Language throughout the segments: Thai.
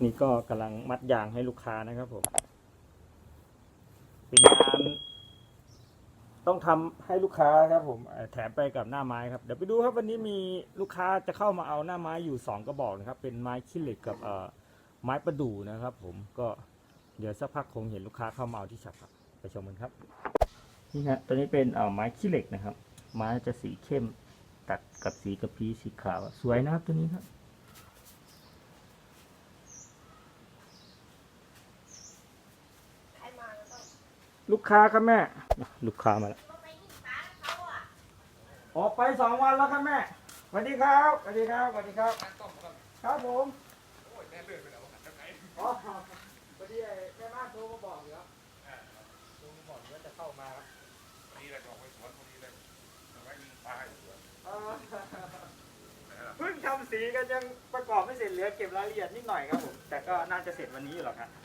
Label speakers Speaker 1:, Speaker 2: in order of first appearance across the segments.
Speaker 1: นี่ก็กำลังมัดยางให้ลูกค้านะครับผมเป็นงานต้องทำให้ลูกค้าครับผมแถมไปกับหน้าไม้ครับเดี๋ยวไปดูครับวันนี้มีลูกค้าจะเข้ามาเอาหน้าไม้อยู่2กระบอกนะครับเป็นไม้ขี้เหล็กกับไม้ประดู่นะครับผมก็เดี๋ยวสักพักคงเห็นลูกค้าเข้ามาเอาที่ฉับครับไปชมกันครับนี่ฮะตัวนี้เป็นไม้ขี้เหล็กนะครับไม้จะสีเข้มตัดกับสีกระพี้สีขาวสวยนะครับตัวนี้ครับลูกค้าครับแม่ลูกค้ามาแล้วออกไป2 วันแล้วครับแม่สวัสดีครับสวัสดีครับสวัสดีครับครับผมอ๋อพอดีแม่บ้านโทรมาบอกอยู่ครับโทรมาบอกว่าจะเข้ามาครับนี่แหละจะออกไปสวนพอดีเลยจะไว้ยิงปลาอยู่สวนเพิ่งทำสีกันยังประกอบไม่เสร็จเหลือเก็บรายละเอียดนิดหน่อยครับผมแต่ก็น่าจะเสร็จวันนี้อยู่หรอกครับ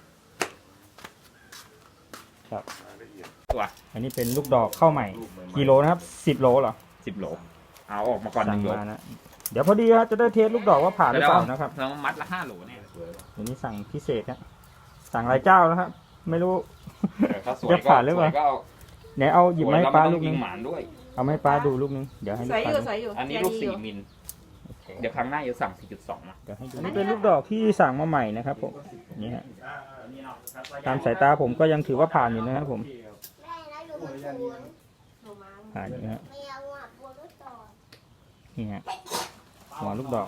Speaker 1: ครับตัวอันนี้เป็นลูกดอกเข้าใหม่กิโลนะครับ10 โลเหรอ
Speaker 2: 10 โลเอาออกมาก่อน1 โล
Speaker 1: นะเดี๋ยวพอดีครับจะได้เทสลูกดอกว่าผ่านหรือเปล่านะครับ
Speaker 2: เรามัดละ5 โลเนี่ย
Speaker 1: เดี๋ยวนี้สั่งพิเศษนะสั่งหลายเจ้าแล้วครับไม่รู้
Speaker 2: จะผ่านหรือเปล่า
Speaker 1: ไหนเอาหยิบไม้ปลาลูกนึงเอาไม้ปลาดูลูกนึงเดี๋ยวให้ลูกปลา
Speaker 2: อันนี้ลูก4 มิลเดี๋ยวครั้งหน้าจะสั่ง 4.2 นะ
Speaker 1: อันนี้เป็นลูกดอกที่สั่งมาใหม่นะครับผมนี่ฮะตามสายตาผมก็ยังถือว่าผ่านอยู่นะครับผมผ่านอยู่นะนี่ฮะหัวลูกดอก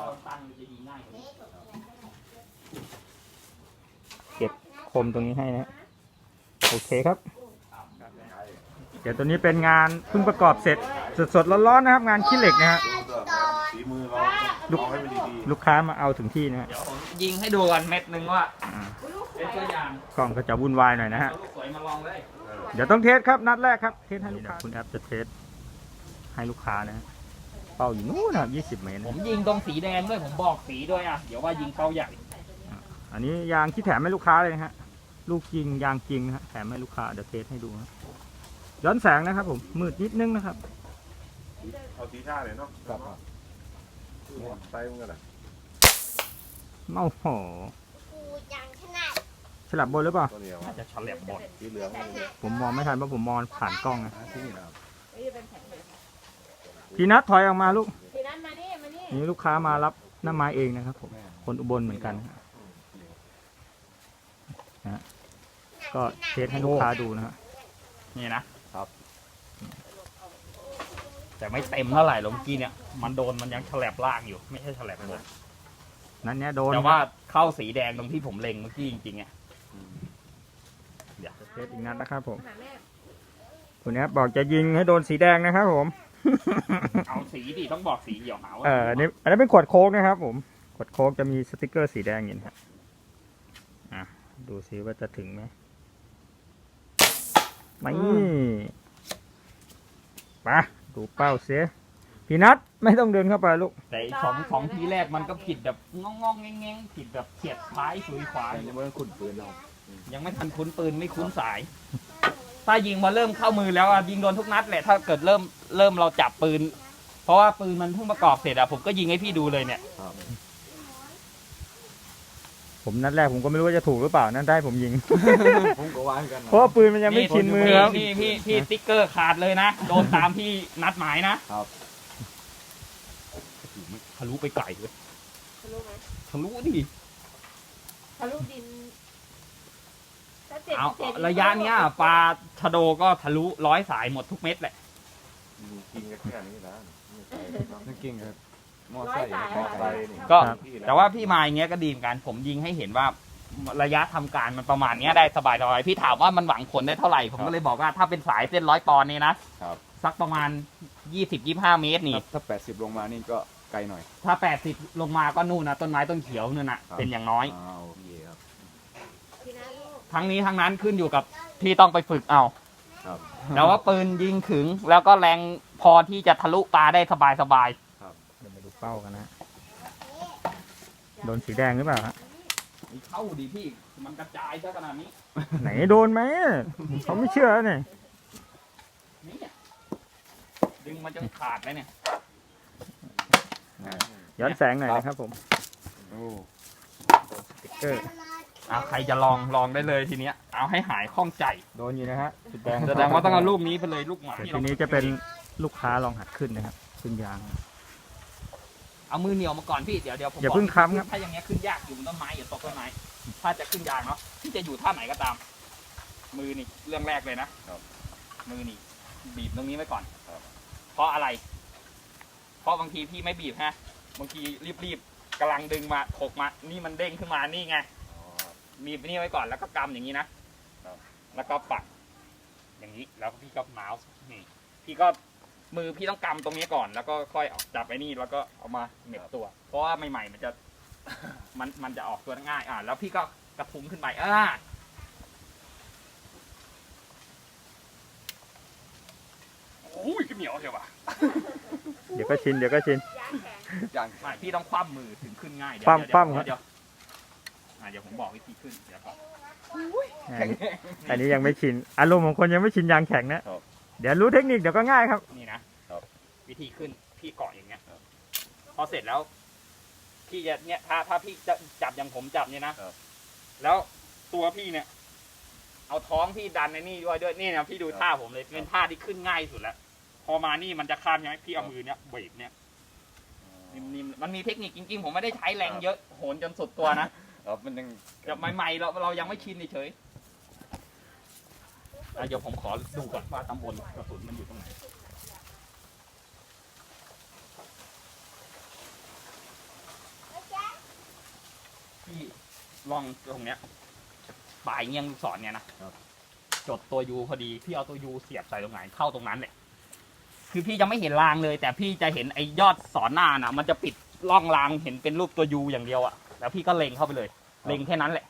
Speaker 1: เก็บคมตรงนี้ให้นะโอเคครับเดี๋ยวตัวนี้เป็นงานเพิ่งประกอบเสร็จสดๆร้อนๆนะครับงานขี้เหล็กนะฮะลูกค้ามาเอาถึงที่นะฮะ
Speaker 2: ยิงให้ดูกันเม็ดนึงว่าเป็นตัวอย่าง
Speaker 1: กล้องก็จะวุ่นวายหน่อยนะฮะ
Speaker 2: สวยมาลองเลย
Speaker 1: เดี๋ยวต้องเทสครับนัดแรกครับเทสให้ลูกค้าคุณแอปจะเทสให้ลูกค้านะเป้าอยู่นู้นนะ20 เมตร
Speaker 2: ผมยิงตรงสีแดงด้วยผมบอกสีด้วยอ่ะเดี๋ยวว่ายิงเป้าใหญ่
Speaker 1: อันนี้ยางที่แถมให้ลูกค้าเลยฮะลูกจริงยางจริงฮะแถมให้ลูกค้าเดี๋ยวเทสให้ดูนะย้อนแสงนะครับผมมืดนิดนึงนะครับ
Speaker 3: เอาสีท่าเลยเนาะครับใส่มันกันแหละ
Speaker 1: โอ้โหฉลับบนหรือเปล่า
Speaker 2: น่าจะฉลับบน
Speaker 3: สีเหลือง
Speaker 1: ผมมองไม่ทันเพราะผมมองผ่านกล้องนะพี่นัทถอยออกมาลูกนี่ลูกค้ามารับหน้าไม้เองนะครับผมคนอุบลเหมือนกันนะก็เทสให้ลูกค้าดูนะฮะ
Speaker 2: นี่นะครับแต่ไม่เต็มเท่าไหร่หรอกเมื่อกี้เนี่ยมันโดนมันยังฉลับล่างอยู่ไม่ใช่ฉลับบน
Speaker 1: นั้นเนี่ยโดน
Speaker 2: แต่ว่าเข้าสีแดงตรงที่ผมเล็งเมื่อกี้จริงๆอ่ะ
Speaker 1: เดี๋ยวเทสอีกนัดนะครับผมคุณแอปบอกจะยิงให้โดนสีแดงนะครับผม
Speaker 2: เอาสีดิต้องบอกสีเดี๋ยวหาว่า
Speaker 1: อันนี้เป็นขวดโค้กนะครับผมขวดโค้กจะมีสติกเกอร์สีแดงอยู่นะครับดูซิว่าจะถึงไหมไม่มาดูเป้าเสียพี่นัทไม่ต้องเดินเข้าไปลูก
Speaker 2: แต่สองทีแรกมันก็ผิดแบบงองแงงผิดแบบเฉียดท้ายสุยขวา
Speaker 3: ยังไม่คุ้นปืนเรา
Speaker 2: ยังไม่ทันคุ้นปืนไม่คุ้นสายถ้ายิงมาเริ่มเข้ามือแล้วยิงโดนทุกนัดแหละถ้าเกิดเริ่มเราจับปืนเพราะว่าปืนมันเพิ่งประกอบเสร็จผมก็ยิงให้พี่ดูเลยเนี่ย
Speaker 1: ผมนัดแรกผมก็ไม่รู้ว่าจะถูกหรือเปล่านั่นได้ผมยิง
Speaker 3: ผมก็วางกัน
Speaker 1: เพราะปืนมันยังไม่ชินมือครับ
Speaker 2: พี่สติ๊กเกอร์ขาดเลยนะโดนตามที่นัดหมายนะครับทะลุไปไกลเลย
Speaker 4: ทะลุไหม
Speaker 2: ทะลุดิ
Speaker 4: ทะลุดิน
Speaker 2: เอาระยะเนี้ยปลาชะโดก็ทะลุ100 สายหมดทุกเม็ดแหละ
Speaker 3: กินกันแค่นี้นะ
Speaker 1: นั่นกินครับ
Speaker 2: ก็แต่ว่าพี่มาอย่างเงี้ยก็ดีเหมือนกันผมยิงให้เห็นว่าระยะทำการมันประมาณเนี้ยได้สบายๆพี่ถามว่ามันหวังผลได้เท่าไหร่ผมก็เลยบอกว่าถ้าเป็นสายเส้น100 ปอนด์นี่นะสักประมาณ20-25 เมตรนี่
Speaker 3: ถ้า80ลงมานี่ก็ไกลหน่อย
Speaker 2: ถ้า80ลงมาก็นู่นนะต้นไม้ต้นเขียวนู่นน่ะเป็นอย่างน้อยทั้งนี้ทั้งนั้นขึ้นอยู่กับที่ต้องไปฝึกเอาแต่ว่าปืนยิงขึงแล้วก็แรงพอที่จะทะลุปลาได้สบาย
Speaker 1: เดี๋ยวมาดูเป้ากันนะโดนสีแดงหรือเปล่าฮะ
Speaker 2: เข้าดีพี่มันกระจายซะขนาดนี้
Speaker 1: ไหนโดนไหมเขาไม่เชื่อเนี่ย
Speaker 2: ดึงมันจะขาดเลยเนี่ย
Speaker 1: ย้อนแสงหน่อยนะครับผม
Speaker 2: ส
Speaker 1: เออ
Speaker 2: ใครจะลองได้เลยทีเนี้ยเอาให้หายข้องใจ
Speaker 1: โดนอยู่นะฮะจุดแดง
Speaker 2: แสดงว่าต้องเอาลูกนี้ไปเลยลูกหมา
Speaker 1: แต่ทีนี้จะเป็นลูกค้าลองหัดขึ้นนะครับขึ้นยาง
Speaker 2: เอามือเหนียวมาก่อนพี่เดี๋ยวผม
Speaker 1: อย่าเพิ่งค้ำครับ
Speaker 2: ถ้าอย่างเงี้ยขึ้นยากอยู่บนต้นไม้อย่าตกต้นไม้ถ้าจะขึ้นยางเนาะพี่จะอยู่ท่าไหนก็ตาม มือนี่เรื่องแรกเลยนะมือนี่บีบตรงนี้ไว้ก่อนเพราะอะไร เพราะบางทีพี่ไม่บีบฮะบางทีรีบๆกำลังดึงมาถกมานี่มันเด้งขึ้นมานี่ไงบีบนี่ไว้ก่อนแล้วก็กำอย่างนี้นะแล้วก็ปักอย่างนี้แล้วพี่ก็เมาส์นี่พี่ก็มือพี่ต้องกำตรงนี้ก่อนแล้วก็ค่อยออกจับไอ้นี่แล้วก็เอามาเหน็บตัว เพราะว่าใหม่ๆมันจะ มันจะออกตัวง่ายแล้วพี่ก็กระทุ้งขึ้นไปโอ้ยก็เหนียวเชียวว่ะ
Speaker 1: เดี๋ยวก็ชินเดี๋ยวก็ชิน
Speaker 4: ยางแข็ง
Speaker 2: ไม่พี่ต้องคว่ำมือถึงขึ้นง่าย
Speaker 1: คว่ำครับ
Speaker 2: เดี๋ยวผมบอกวิธีขึ้นเดี๋ยวก่อน
Speaker 1: อันนี้ยังไม่ชินอารมณ์ของคนยังไม่ชินยางแข็งนะเดี๋ยวรู้เทคนิคเดี๋ยวก็ง่ายครับ
Speaker 2: นี่นะวิธีขึ้นพี่เกาะอย่างเงี้ยพอเสร็จแล้วพี่จะเนี่ยถ้าพี่จะจับอย่างผมจับเนี่ยนะแล้วตัวพี่เนี่ย เอาท้องพี่ดันในนี่ด้วยนี่นะพี่ดูท่าผมเลยเป็นท่าที่ขึ้นง่ายสุดแล้วพอมานี่มันจะข้ามใช่ไหมพี่เอามือเนี่ยเบรกเนี่ยนิ่มๆมันมีเทคนิคจริงๆผมไม่ได้ใช้แรงเยอะโหนจนสุดตัวนะ
Speaker 3: มันยัง
Speaker 2: จะใหม่ๆเรายังไม่ชินเฉยเดี๋ยวผมขอดูก่อนว่าตำบลกระสุนมันอยู่ตรงไหนพี่ลองตรงเนี้ยปลายเงี้ยงลูกศรเนี่ยนะจดตัวยูพอดีพี่เอาตัวยูเสียบใส่ตรงไหนเข้าตรงนั้นเลยคือพี่จะไม่เห็นรางเลย แต่พี่จะเห็นไอ้ยอดสอนหน้าน่ะ มันจะปิดร่องรางเห็นเป็นรูปตัวยูอย่างเดียวอะแล้วพี่ก็เล็งเข้าไปเลยเล็งแค่นั้นแหละ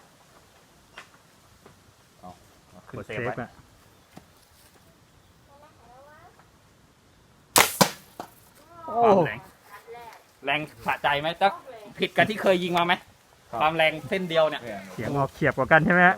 Speaker 1: กดเซฟอะ
Speaker 2: ความแรงสะใจไหมตั๊กผิดกับที่เคยยิงมาไหมความแรงเส้นเดียวเนี่ย
Speaker 1: เสียงออกเฉียบกว่ากันใช่ไหมฮะ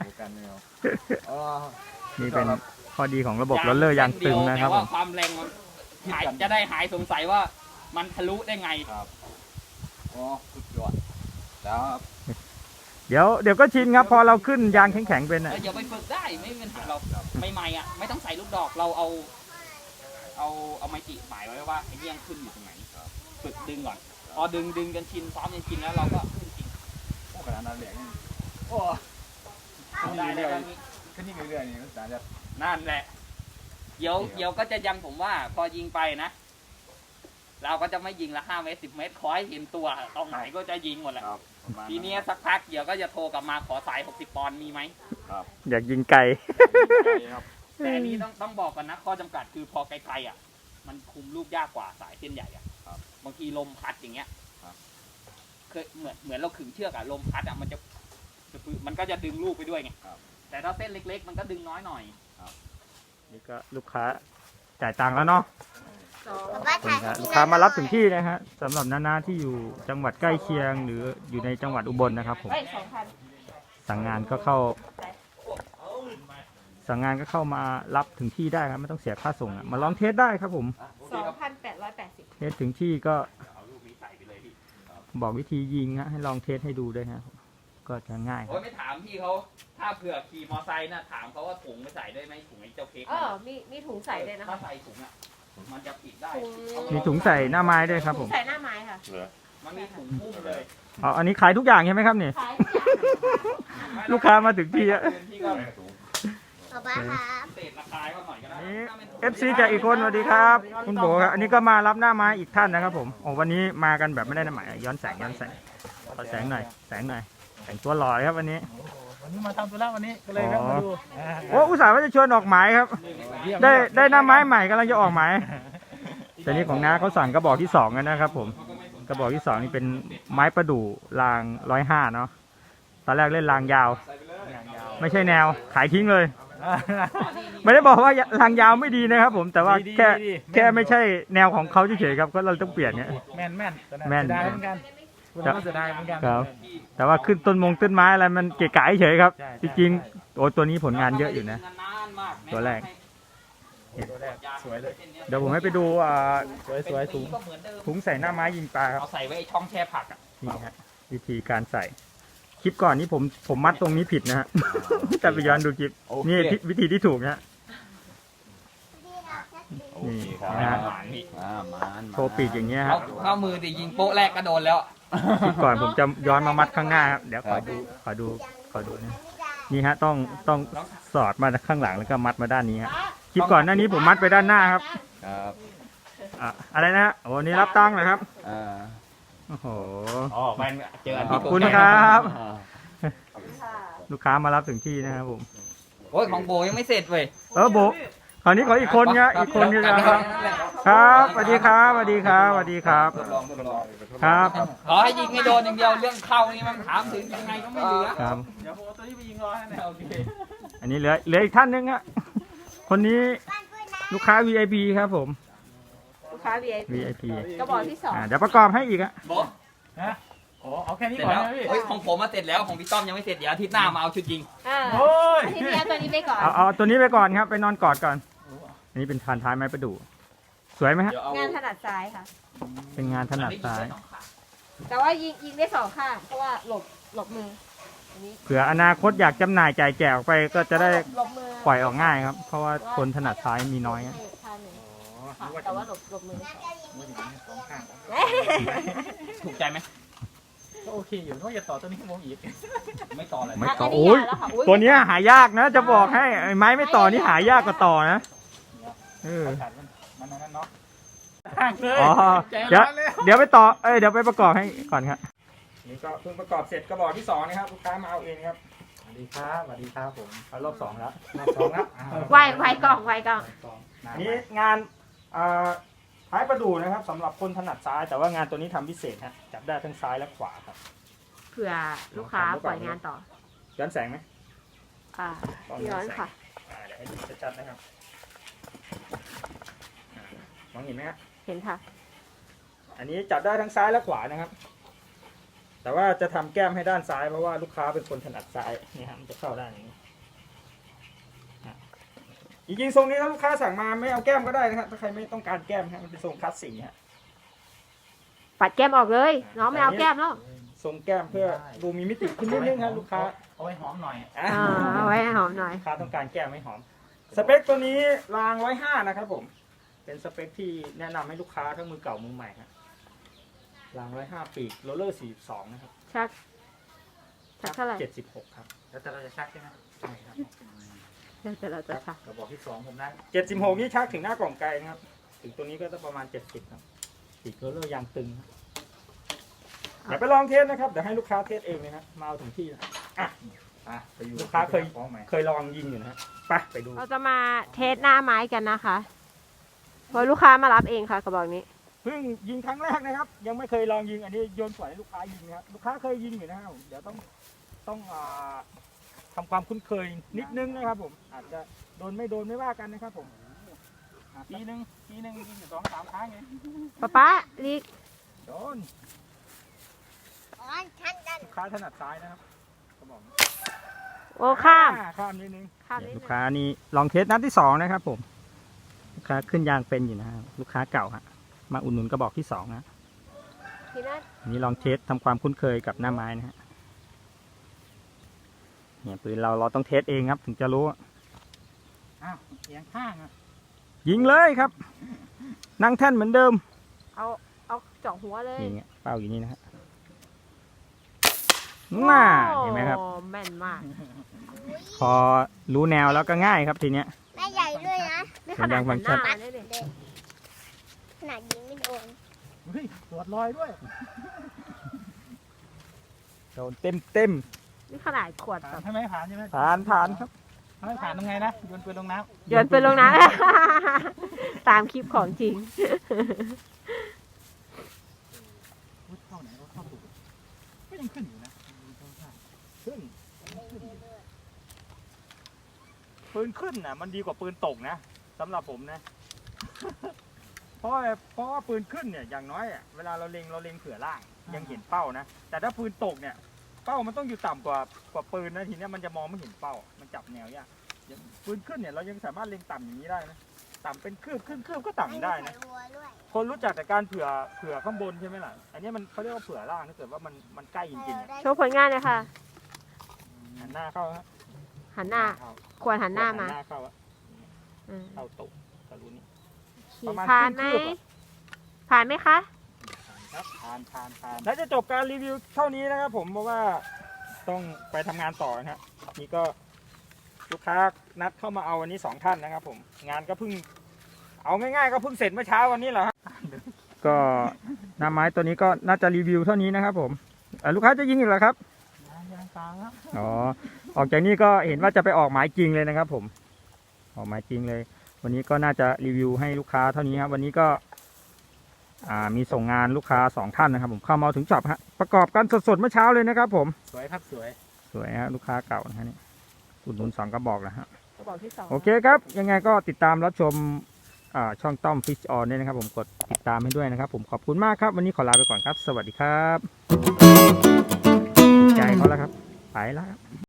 Speaker 1: นี่เป็นข้อดีของระบบโรลเลอร์ยางตึงนะครับ
Speaker 2: แต่
Speaker 1: ผ
Speaker 2: ว่าม ความแรงมันจะได้หายสงสัยว่ามันทะลุได้ไง
Speaker 3: สุดยอดแล้ว
Speaker 1: เดี๋ยวก็ชินครับพอเราขึ้นยางแข็งๆเป็นอะ
Speaker 2: อย่าไปฝึกได้ไม่มีปัญหาเราใหม่ๆอ่ะไม่ต้องใส่ลูกดอกเราเอาไม้จิหมายไว้ว่าไอ้เงี้ยงขึ้นอยู่ตรงไหนฝึกดึงก่อนพอดึงกันชินซ้อมจนชินแล้วเราก็ขึ้นจริง
Speaker 3: โอ้ขนาดนั้นเลยโอ้
Speaker 2: ได้แล้ว
Speaker 3: ขึ้นนี่เรื่อยๆนี่มันจะ
Speaker 2: นั่นแหละเดี๋ยวก็จะยังผมว่าพอยิงไปนะ เราก็จะไม่ยิงละ5 เมตร 10 เมตรขอให้เห็นตัวตรงไหนก็จะยิงหมดแหละทีนี้สักพักเดี๋ยวก็จะโทรกลับมาขอสาย60 ปอนด์มีไหม
Speaker 1: อยากยิงไกล
Speaker 2: แต่อันนี้ต้องบอกกันนะข้อจำกัดคือพอไกลๆอ่ะมันคุมลูกยากกว่าสายเส้นใหญ่อ่ะบางทีลมพัดอย่างเงี้ยเคยเหมือนเราขึงเชือกอ่ะลมพัดอ่ะมันก็จะดึงลูกไปด้วยไงแต่ถ้าเส้นเล็กๆมันก็ดึงน้อยหน่อย
Speaker 1: นี่ก็ลูกค้าจ่ายตังค์แล้วเนาะ
Speaker 4: 2
Speaker 1: ลูกค้ามารับถึงที่นะฮะสำหรับน้าๆที่อยู่จังหวัดใกล้เคียง หรืออยู่ในจังหวัดอุบลนะครับผม
Speaker 4: เฮ้ย2,000
Speaker 1: สั่งงานก็เข้ามารับถึงที่ได้ครับไม่ต้องเสียค่าส่งอะมาลองเทสได้ครับผม
Speaker 4: 2,880
Speaker 1: เทสถึงที่ก็
Speaker 2: เอาลูกนี้ใส่ไปเลยพี่
Speaker 1: บอกวิธียิงฮะให้ลองเทสให้ดูด้วยฮะก็จะง่ายค
Speaker 2: โอ้
Speaker 1: รับ
Speaker 2: ยไม่ถามพี่เขาถ้าเผื่อขี่มอไซค์น่ะถามเขาว่าถุงไม่ใส่ได้ไหมถุงไอ้เจ้าเค้ก
Speaker 4: มีถุงใส่ด้วยนะ
Speaker 2: ถ้าใส่ถุงอ่ะมันจะปิดได้
Speaker 1: มีถุงใส่หน้าไม้ด้วยครับผม
Speaker 4: ใส่หน้าไม้ค่ะ
Speaker 2: มันมีถุงหุ้มเลย
Speaker 1: อ๋ออันนี้ขายทุกอย่างใช่ไหมครับเนี่ย
Speaker 4: ขายทุกอย่าง
Speaker 1: ลูกค้ามาถึงที่อะ
Speaker 2: พี่ก็
Speaker 4: ขอบคุณครับ
Speaker 2: เศษราคาก็หน่อยก็ได้
Speaker 1: นี่ FC จากอีกคนสวัสดีครับคุณโบครับอันนี้ก็มารับหน้าไม้อีกท่านนะครับผมโอ้วันนี้มากันแบบไม่ได้นัดหมายย้อนแสงขอแสงหน่อยแต่งตัวหล่อเลยครับวันนี้
Speaker 5: วันนี้มาทำธุระวันนี้ก็เลยแวะมาดู
Speaker 1: โอ้อุตส่าห์ว่าจะชวนออกหมายครับ ได้หน้าไม้ใหม่กำลังจะออกหมายแต่นี่ของน้าเขาสั่งกระบอกที่2กันนะครับผมกระบอกที่2นี่เป็นไม้ประดู่ราง105เนาะตอนแรกเล่นรางยาว ไม่ใช่แนวขายทิ้งเลย ไม่ได้บอกว่ารางยาวไม่ดีนะครับผมแต่ว่าแค่ไม่ใช่แนวของเขาเฉยๆครับก็เราต้องเปลี่ยนเนี่ย
Speaker 5: แม่น
Speaker 1: แม่น
Speaker 5: เสียดายเหมือนกันคุณก็เสียดายเหมือนกัน
Speaker 1: ครับแต่ว่าขึ้นต้นไม้อะไรมันเกะกะเฉยๆครับ
Speaker 5: ใช่
Speaker 1: จริงๆโอ้ตัวนี้ผลงานเยอะอยู่นะ ตัวแรก
Speaker 5: ตัวแรกสวยเลย
Speaker 1: เดี๋ยวผมให้ไปดู
Speaker 5: สวยถุง
Speaker 1: ถุงใส่หน้าไม้ยิงปลาครับ
Speaker 2: เอาใส่ไว้ไอ้ช่องแช่ผักอ่ะ
Speaker 1: นี่ฮะวิธีการใส่คลิปก่อนนี้ผมมัดตรงนี้ผิดนะฮะ แต่ไปย้อนดูคลิป
Speaker 2: โอเค
Speaker 1: นี่วิธีที่ถูกนะฮะ
Speaker 3: โอเคครับ
Speaker 1: นะฮะ
Speaker 2: มัน
Speaker 1: โชว์ปีกอย่างเงี้ย
Speaker 2: เอา
Speaker 1: ฮะ
Speaker 2: เข้ามือดิยิงโป๊ะแรกก็โดนแล้ว
Speaker 1: คลิปก่อนผมจะย้อนมามัดข้างหน้าครับเดี๋ยวขอดูนะนี่ฮะต้องสอดมาข้างหลังแล้วก็มัดมาด้านนี้ฮะคลิปก่อนหน้านี้ผมมัดไปด้านหน้าครับ
Speaker 2: ครับ
Speaker 1: อะไรนะฮะโอ้นี่รับตังค์นะครับ
Speaker 2: อ่า
Speaker 1: โอ้โห
Speaker 2: อ๋อมันเจออัน
Speaker 1: ข
Speaker 2: ที่
Speaker 1: อบคุณครับ ลูกค้ามารับถึงที่นะครับผม
Speaker 2: โอ้ยของโบยังไม่เสร็จเว้ย
Speaker 1: โบคราวนี้ขออีกคนเนี้ยอีกคนนึงนะครับครับสวัสดีครับสวัสดีครับสวัสดีครับ
Speaker 2: ทดลอง
Speaker 1: ครับ
Speaker 2: ขอให้ยิงให้โดนอย่างเดียวเรื่องเข้านี่มันถามถึงยังไงก็ไม่เหลือ
Speaker 1: ครับ
Speaker 5: เดี๋ยวผมเอาตัวนี้ไปยิงรอให้นะโอเค
Speaker 1: อันนี้เหลืออีกท่านนึงฮะคนนี้ลูกค้า VIP ครับผม
Speaker 4: ลูกค้า VIP
Speaker 1: VIP
Speaker 4: กระบอกที่สอง
Speaker 1: เดี๋ยวประกอบให้อีกอะ
Speaker 2: โบ
Speaker 5: นะโอ้เอาแค่นี้
Speaker 2: เสร็จ
Speaker 5: ก่อน
Speaker 2: แล้ว
Speaker 5: นะพี่
Speaker 2: เฮ้ยของผมมาเสร็จแล้วของพี่ต้อมยังไม่เสร็จเดี๋ยวอาทิตย์หน้ามาเอาชุดยิง
Speaker 5: โอ้ย
Speaker 4: อาทิตย์นี้เอาตัวนี้ไปก่อน
Speaker 1: เอาตัวนี้ไปก่อนครับไปนอนกอดก่อนอันนี้เป็นพันท้ายไม้ประดู่สวยไหมฮะ
Speaker 2: เดี๋ยวเอา
Speaker 4: งานถนัดซ้ายค่ะ
Speaker 1: เป็นงานถนัดซ้าย
Speaker 4: แต่ว่ายิงได้สองข้างเพราะว่าหลบมืออันนี้
Speaker 1: เผื่ออนาคตอยากจำหน่ายจ่ายแจกออกไปก็จะได้
Speaker 4: หลบมือ
Speaker 1: ปล่อยออกง่ายครับ เพราะว่าคนถนัดซ้ายมีน้อย
Speaker 4: ให้
Speaker 1: ฮะ
Speaker 4: ข้างหนึ่งค่ะแต่ว่าหลบมือไม่สอง
Speaker 5: สองข้าง
Speaker 2: ถูกใจไหม
Speaker 5: ก็โอเคอยู่นึกว่าจะต่อตัวนี้ให้ผมอีก
Speaker 2: ไม่ต่อเลย
Speaker 1: ไม่ต่อ
Speaker 4: อันนี้
Speaker 1: โอ้ย
Speaker 4: ยาวแล้วค่ะอุ๊ย
Speaker 1: ตัวเนี้ยหายากนะ จะบอกให้ไอ้ไม้ไม่ต่อนี่หายากกว่าต่อนะเออ
Speaker 5: ขาดมันนั่นเนาะห่างเลย
Speaker 1: อ๋อ
Speaker 5: ใจ
Speaker 1: เดี๋ยว
Speaker 5: ร้อนเลย
Speaker 1: เดี๋ยวไปต่อเดี๋ยวไปประกอบให้ก่อนครับนี่ก็เพิ่งประกอบเสร็จกระบอกที่2นะครับลูกค้ามาเอาเองครับ
Speaker 5: สวัสดีครับสวัสดีครับผม
Speaker 1: เอารอบ2แล้ว
Speaker 5: รอบสองแล้ว
Speaker 4: ไวกล่อง
Speaker 1: อันนี้งานท้ายประดู่นะครับสำหรับคนถนัดซ้าย แต่ว่างานตัวนี้ทำพิเศษฮะจับได้ทั้งซ้ายและขวาครับ
Speaker 4: เผื่อลูกค้าปล่อยงานต่อ
Speaker 1: ย้อนแสงไหม
Speaker 4: ย้อนค่ะ
Speaker 1: เดี๋ยวให้ดูชัดๆนะครับมองเห็นไหมฮะ
Speaker 4: เห็นค่ะ
Speaker 1: อันนี้จับได้ทั้งซ้ายและขวานะครับ แต่ว่าจะทำแก้มให้ด้านซ้ายเพราะว่าลูกค้าเป็นคนถนัดซ้ายนี่ฮะมันจะเข้าด้านอย่างนี้จริงๆทรงนี้ถ้าลูกค้าสั่งมาไม่เอาแก้มก็ได้นะครับถ้าใครไม่ต้องการแก้มฮะมันเป็นทรงคลาสสิกฮะ
Speaker 4: ปัดแก้มออกเลย น้องไม่เอาแก้มแล้ว
Speaker 1: ทรงแก้มเพื่อดูมีมิติขึ้นนิดนึงครับลูกค้า
Speaker 5: เอาไว้หอมหน่อย
Speaker 4: เอาไว้ให้หอมหน่อย
Speaker 1: ลูกค้าต้องการแก้มไม่หอม สเปคตัวนี้ราง105นะครับผม เป็นสเปคที่แนะนำให้ลูกค้าทั้งมือเก่ามือใหม่ฮะราง105ปีกโรลเลอร์42นะครับ
Speaker 4: ชักเท่าไหร่
Speaker 1: 76ครับ
Speaker 5: แล้วแต่เราจะชักใช่ไหม
Speaker 1: ใช่ครับ
Speaker 4: เดี๋ยวเราจะชัก
Speaker 5: กระบอกที่2ผมได้
Speaker 1: 76นี่ชักถึงหน้ากล่องไกลนะครับ ถึงตัวนี้ก็จะประมาณ70ครับปีกโรลเลอร์ยางตึงครับเดี๋ยวไปลองเทสนะครับเดี๋ยวให้ลูกค้าเทสเองเลยนะมาเอาถึงที่นะ
Speaker 5: ไปอยู่
Speaker 1: ลูกค้าเคย
Speaker 5: ฟ้องใหม่
Speaker 1: เคยลองยิงอยู่นะฮะไปดู
Speaker 4: เราจะมาเทสหน้าไม้กันนะคะเพราะลูกค้ามารับเองค่ะกระบอกนี้
Speaker 1: เพิ่งยิงครั้งแรกนะครับ ยังไม่เคยลองยิงอันนี้โยนปล่อยให้ลูกค้ายิงนะครับลูกค้าเคยยิงอยู่นะครับเดี๋ยวต้องทำความคุ้นเคยนิดนึงนะครับผมอาจจะโดนไม่ว่ากันนะครับผม
Speaker 5: ปีหนึ่งยิงอยู่2-3 ครั้งไง
Speaker 4: ป๊าลีก
Speaker 1: โดนลูกค้าถนัดซ้ายนะครับก็บอก
Speaker 4: โอ้ข้าม
Speaker 1: ข้ามนิดนึง
Speaker 4: ข้ามนิด
Speaker 1: ลู
Speaker 4: นึ
Speaker 1: ก
Speaker 4: ง
Speaker 1: ค้านี่ลองเทสนัดที่2นะครับผมลูกค้าขึ้นยางเป็นอยู่นะครับลูกค้าเก่าฮะมาอุดหนุนกระบอกที่2นะ
Speaker 4: ทีนั้น
Speaker 1: อันนี้ลองเทสทำความคุ้นเคยกับหน้าไม้นะฮะเนี่ยปืนเราต้องเทสเองครับถึงจะรู้
Speaker 5: อ้าวเอียงข้างอ่ะ
Speaker 1: ยิงเลยครับ นั่งแท่นเหมือนเดิม
Speaker 4: เอาเจาะหัวเลย
Speaker 1: นี่ไงเป้าอยู่นี่นะฮะน่าเห็นไหมครับ
Speaker 4: โอ้แม่นมาก
Speaker 1: พอรู้แนวแล้วก็ง่ายครับทีเนี้ย
Speaker 6: แม่ใหญ่ด้วยนะ
Speaker 4: นี่ขนาดหันหน้ามาเลยเนี่ย
Speaker 6: ขนาดยิงไม่โดน
Speaker 5: เฮ้ยตรวจรอยด้วย
Speaker 1: โดนเต็ม
Speaker 4: นี่ขนาดขวด
Speaker 5: ผ่า
Speaker 4: แบ
Speaker 5: น
Speaker 4: บ
Speaker 5: ใช่ไหมผ่านใช่ไหม
Speaker 1: ผ่านครับ
Speaker 5: ถ้าไม่ผ่านทำไงนะโยนปืนลงน้ำ
Speaker 4: โยนปืนลงน้ำ ตามคลิปของจริง
Speaker 5: เข้าไหนก็เข้าถูกก็ยังขึ้นอยู่นะ
Speaker 1: ขึ้นปืนขึ้นน่ะมันดีกว่าปืนตกนะสำหรับผมนะ เพราะว่าปืนขึ้นเนี่ยอย่างน้อยอ่ะเวลาเราเล็งเผื่อล่างยังเห็นเป้านะแต่ถ้าปืนตกเนี่ยเป้ามันต้องอยู่ต่ำกว่าปืนนะทีเนี้ยมันจะมองไม่เห็นเป้ามันจับแนวยากอย่างปืนขึ้นเนี่ยเรายังสามารถเล็งต่ำอย่างนี้ได้นะต่ำเป็นคืบขึ้นคืบก็ต่ำได้นะ
Speaker 6: ใส่วัวด้วย
Speaker 1: คนรู้จักแต่การเผื่อข้างบนใช่ไหมล่ะอันนี้มันเขาเรียกว่าเผื่อล่างถ้าเกิดว่ามันใกล้จริงๆอะ
Speaker 4: โชว์ผลงานเลยค่ะ
Speaker 1: หันหน้าเข้าฮะ
Speaker 4: หันหน้า ควรหันหน้ามา
Speaker 1: หันหน้าเข้าอะ
Speaker 4: อืม
Speaker 1: เข้าตุกทะลุนี่
Speaker 4: ขี่
Speaker 1: ประมาณ
Speaker 4: ผ่านไหม
Speaker 1: ครึ่งคืบอะ
Speaker 4: ผ่านไหมคะ
Speaker 1: ครับ
Speaker 5: ผ่านผ่านผ่าน
Speaker 1: และจะจบการรีวิวเท่านี้นะครับผมเพราะว่าต้องไปทำงานต่อนะครับนี่ก็ลูกค้านัดเข้ามาเอาวันนี้2ท่านนะครับผมงานก็เพิ่งเอาง่ายๆก็เพิ่งเสร็จเมื่อเช้าวันนี้แหละครับก็หน้าไม้ตัวนี้ก็น่าจะรีวิวเท่านี้นะครับผมลูกค้าจะยิงอีกเหรอครับ
Speaker 5: ยางตาครับ
Speaker 1: อ๋อออกจากนี้ก็เห็นว่าจะไปออกหมายจริงเลยนะครับผมออกหมายจริงเลย วันนี้ก็น่าจะรีวิวให้ลูกค้าเท่านี้ครับวันนี้ก็มีส่งงานลูกค้า2ท่านนะครับผมเข้ามาถึงช็อปฮะประกอบกันสดๆเมื่อเช้าเลยนะครับผม
Speaker 5: สวยครับสวย
Speaker 1: สวยฮะลูกค้าเก่านะฮะนี่อุดหนุน2กระบอกนะฮะ
Speaker 4: กระบอกที่ 2
Speaker 1: โอเคครับยังไงก็ติดตามรับชมช่องต้อมฟิชออนด้วยนะครับผมกดติดตามให้ด้วยนะครับผมขอบคุณมากครับวันนี้ขอลาไปก่อนครับ สวัสดีครับถูกใจเขาแล้วครับไปแล้วครับ